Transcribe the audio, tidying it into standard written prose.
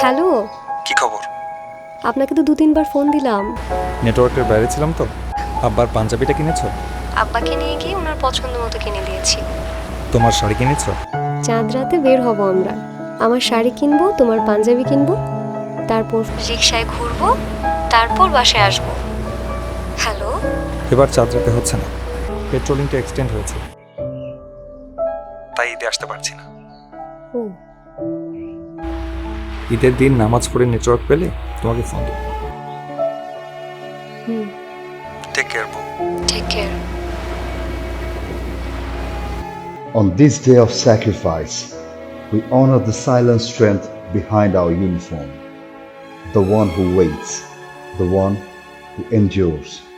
Hello, কি খবর? আপনাকে তো 2-3 বার ফোন দিলাম। নেটওয়ার্কের বাইরে ছিলাম তো। আব্বার পাঞ্জাবিটা কিনেছো? আব্বাকে নিয়ে গিয়ে ওনার পছন্দ মতো কিনে দিয়েছি। তোমার শাড়ি কিনেছো? চাঁদ রাতে বের হব আমরা। আমার শাড়ি কিনবো, তোমার পাঞ্জাবি কিনবো, তারপর রিক্সায় ঘুরবো, তারপর বাসায় আসবো। হ্যালো, এবার চাঁদ রাতে হচ্ছে না, পেট্রোলিংটা এক্সটেন্ড হয়েছে, তাই ঈদে আসতে পারছি না। ও ঈদের দিন নামাজ পড়ে নেটওয়ার্ক পেলে তোমাকে ফোন দেবো। হুম, টেক কেয়ার বউ। Take care. On this day of sacrifice, we honor the silent strength behind our uniform, the one who waits, the one who endures.